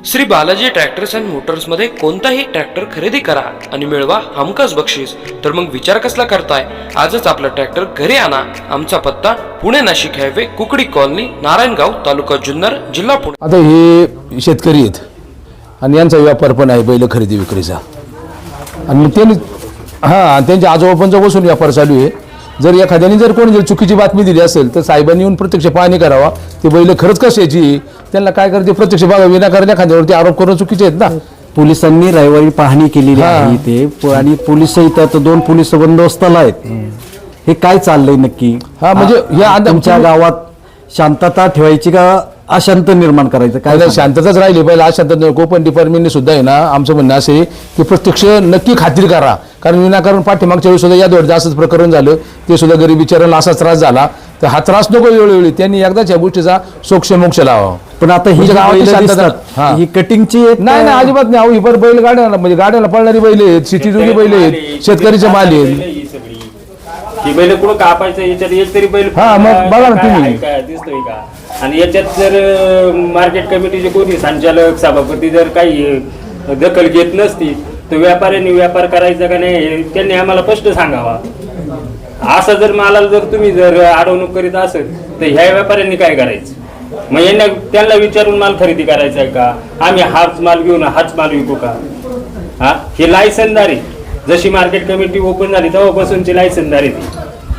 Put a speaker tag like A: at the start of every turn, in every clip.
A: Shri Balaji tractors and मोटर्समध्ये कोणताही tractor खरेदी करा आणि मिळवा हमखास बक्षीस. तर मग विचार कसला करताय? आजच आपला ट्रॅक्टर घरी आणा. आमचा पत्ता पुणे नाशिक हायवे, कुकडी कॉलनी, नारायणगाव, तालुका जुन्नर, जिल्हा पुणे.
B: आता हे शेतकरी आहेत आणि यांचा व्यापार पण आहे बैल खरेदी विक्रीचा. आणि त्यांनी त्यांच्या आजोबापांचा बसून व्यापार चालू आहे. जर एखाद्याने जर कोणी चुकीची बातमी दिली असेल तर साहेबांनी येऊन प्रत्यक्ष पाहणी करावा. ते बैल खरंच कशाची, त्यांना काय करते प्रत्यक्ष बघा. विनाकारण एखाद्यावरती आरोप करणं चुकीचे आहेत ना.
C: पोलिसांनी रविवारी पाहणी केलेली आहे इथे आणि पोलिस इथं 2 पोलीस बंदोबस्ताला आहेत. हे काय चाललंय नक्की?
B: म्हणजे या
C: तुमच्या गावात शांतता ठेवायची का अशांत निर्माण करायचं? काय
B: शांतताच राहिली पाहिजे. अशांतता नको. पण डिपार्टमेंटने सुद्धा आहे ना, आमचं म्हणणं असे की प्रत्यक्ष नक्की खात्री करा. कारण विनाकारण पाठीमागच्या वेळी सुद्धा या दोन असंच प्रकरण झालं. ते सुद्धा गरीब बिचारांना असाच त्रास झाला. तर हा त्रास नको वेळोवेळी. त्यांनी एकदाच या गोष्टीचा मोक्ष लावा.
C: पण आता ही ही कटिंगची
B: नाही अजिबात नाही. ही पण बैल गाड्याला म्हणजे गाड्याला पळणारी बैल आहेत, शेतीजोगी बैल आहेत, शेतकरीचे माल आहेत.
D: ही बैल कुठं कापायचं याच्यात एक तरी बैल
B: मग बघा ना तुम्ही
D: दिसतोय का? आणि याच्यात जर मार्केट कमिटीचे कोणी संचालक सभापती जर काही दखल घेत नसती तर व्यापाऱ्यांनी व्यापार करायचा का नाही त्यांनी आम्हाला स्पष्ट सांगावा. असं जर मालाला जर तुम्ही जर अडवणूक करीत असेल तर ह्या व्यापाऱ्यांनी काय करायचं? मग यांना त्यांना विचारून माल खरेदी करायचा आहे का? आम्ही हाच माल घेऊन हाच माल विकू का? हे लायसनदारी जशी मार्केट कमिटी ओपन झाली तेव्हापासूनची लायसनदारी ती.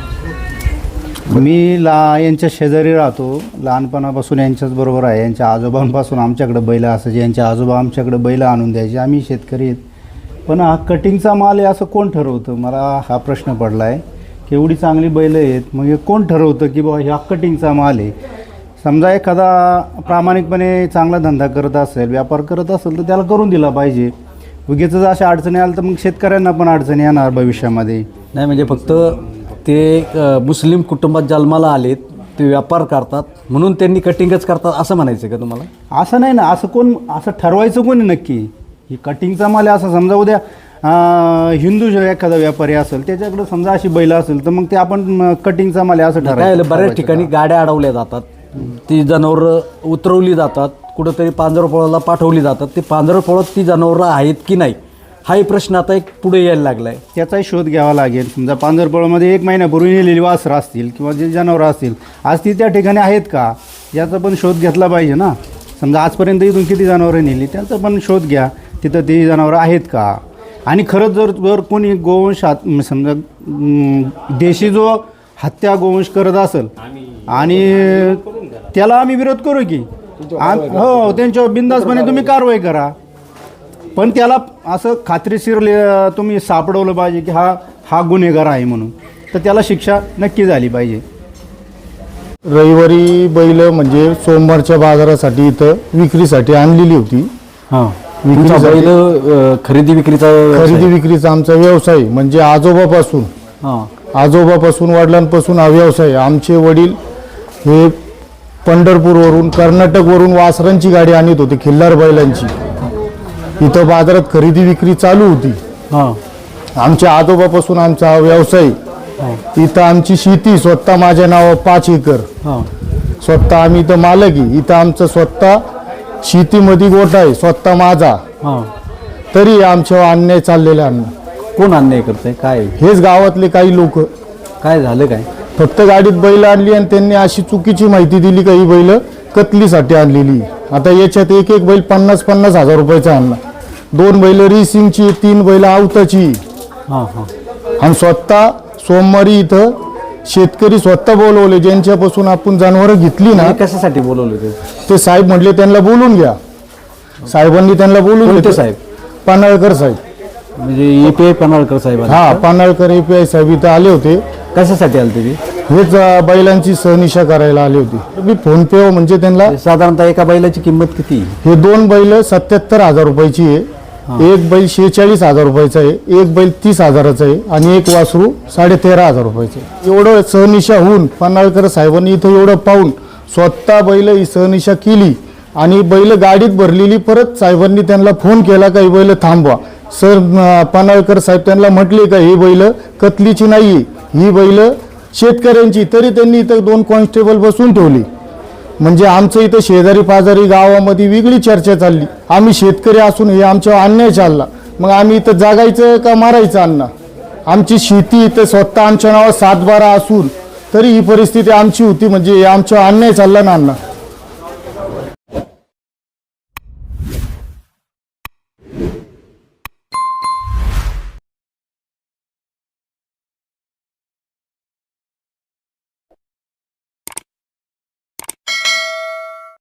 E: मी यांच्या शेजारी राहतो. लहानपणापासून यांच्याच बरोबर आहे. यांच्या आजोबांपासून आमच्याकडे बैल असायचे. यांच्या आजोबा आमच्याकडे बैल आणून द्यायचे. आम्ही शेतकरी आहेत. पण हा कटिंगचा माल आहे असं कोण ठरवतं? मला हा प्रश्न पडला आहे की एवढी चांगली बैल आहेत, मग हे कोण ठरवतं की बाबा ह्या कटिंगचा माल आहे? समजा एखादा प्रामाणिकपणे चांगला धंदा करत असेल, व्यापार करत असेल तर त्याला करून दिला पाहिजे. उगीच जर अशा अडचणी आल्या तर मग शेतकऱ्यांना पण अडचणी येणार भविष्यामध्ये.
C: नाही म्हणजे फक्त ते मुस्लिम कुटुंबात जन्माला आलेत, ते व्यापार करतात म्हणून त्यांनी कटिंगच करतात असं म्हणायचं का तुम्हाला?
E: असं नाही ना. असं ठरवायचं कोणी नक्की? ही कटिंगचा माल आहे असं समजा. उद्या हिंदू एखादा व्यापारी असेल त्याच्याकडे समजा अशी बैल असेल तर मग ते आपण कटिंगचा माल आहे असं ठरवायचं.
C: बऱ्याच ठिकाणी गाड्या अडवल्या जातात, ती जनावरं उतरवली जातात, कुठंतरी पांजरपोळाला पाठवली जातात. ते पांजरपोळात ती जनावरं आहेत की नाही हाही प्रश्न आता एक पुढे यायला लागला आहे.
E: त्याचाही शोध घ्यावा लागेल. समजा पांजरपोळामध्ये 1 महिन्यापूर्वी नेलेली वासरं असतील किंवा जे जनावरं असतील आज ती त्या ठिकाणी आहेत का याचा पण शोध घेतला पाहिजे ना. समजा आजपर्यंत इथून किती जनावरं नेली त्याचा पण शोध घ्या. तिथं ती जनावरं आहेत का? आणि खरंच जर कोणी गोवंश समजा देशी जो हत्या गोवंश करत असेल आणि त्याला आम्ही विरोध करू की हो, त्यांच्यावर बिनधास्तपणे तुम्ही कारवाई करा. पण त्याला असं खात्रीशीर तुम्ही सापडवलं पाहिजे की हा गुन्हेगार आहे म्हणून, तर त्याला शिक्षा नक्की झाली पाहिजे.
F: रविवारी बैल म्हणजे सोमवारच्या बाजारासाठी इथं विक्रीसाठी आणलेली होती.
C: खरेदी
F: विक्रीचा आमचा व्यवसाय म्हणजे आजोबापासून वडिलांपासून हा व्यवसाय. आमचे वडील हे पंढरपूरवरून कर्नाटकवरून वासरांची गाडी आणत होते, खिल्लार बैलांची. इथं बाजारात खरेदी विक्री चालू होती. आमच्या आजोबापासून आमचा हा व्यवसाय. इथं आमची शेती स्वतः माझ्या नावावर 5 एकर स्वतः आम्ही इथं मालक आहे. इथं आमचं स्वतः शेतीमध्ये गोठा आहे स्वतः माझा. तरी आमच्यावर अन्याय चाललेला आहे.
C: कोण अन्याय करतंय? काय
F: हेच गावातले काही लोक.
C: काय झालं काय?
F: फक्त गाडीत बैल आणली आणि त्यांनी अशी चुकीची माहिती दिली का ही बैल कतलीसाठी आणलेली. आता याच्यात एक बैल 50-50 हजार रुपयाचा आणला. 2 बैल रेसिंगची, 3 बैल आवताची. आणि स्वतः सोमवारी इथं शेतकरी स्वतः बोलवले ज्यांच्यापासून आपण जनावरं घेतली ना.
C: कशासाठी बोलवले
F: ते साहेब म्हटले त्यांना बोलून घ्या. साहेबांनी त्यांना बोलून घेतले.
C: साहेब
F: पानाळकर साहेब
C: म्हणजे EPI पानाळकर साहेब.
F: पानाळकर EPI साहेब इथं आले होते.
C: कशासाठी आले ते?
F: हेच बैलांची सहनिशा करायला आले होते. मी फोन पे म्हणजे त्यांना
C: साधारणतः एका बैलाची किंमत किती?
F: हे 2 बैल 77,000 रुपयाची आहे. एक बैल 46,000 रुपयाचा आहे, एक बैल 30,000चा आहे आणि एक वासरू 13,500 रुपयाचं आहे. एवढं सहनिशा होऊन पानाळकर साहेबांनी इथं एवढं पाहून स्वतः बैल ही सहनिशा केली आणि बैल गाडीत भरलेली. परत साहेबांनी त्यांना फोन केला का ही बैल थांबवा. पानाळकर साहेब त्यांना म्हटले का ही बैल कतलीची नाही, ही बैल शेतकऱ्यांची. तरी त्यांनी इथं 2 कॉन्स्टेबल बसून ठेवली. म्हणजे आमचं इथं शेजारी पाजारी गावामध्ये वेगळी चर्चा चालली. आम्ही शेतकरी असून हे आमच्यावर अन्याय चालला, मग आम्ही इथं जगायचं का मारायचं अण्णा? आमची शेती इथं स्वतः आमच्या नावावर 7-12 असून तरी ही परिस्थिती आमची होती, म्हणजे हे आमच्यावर अन्याय चालला ना अण्णा.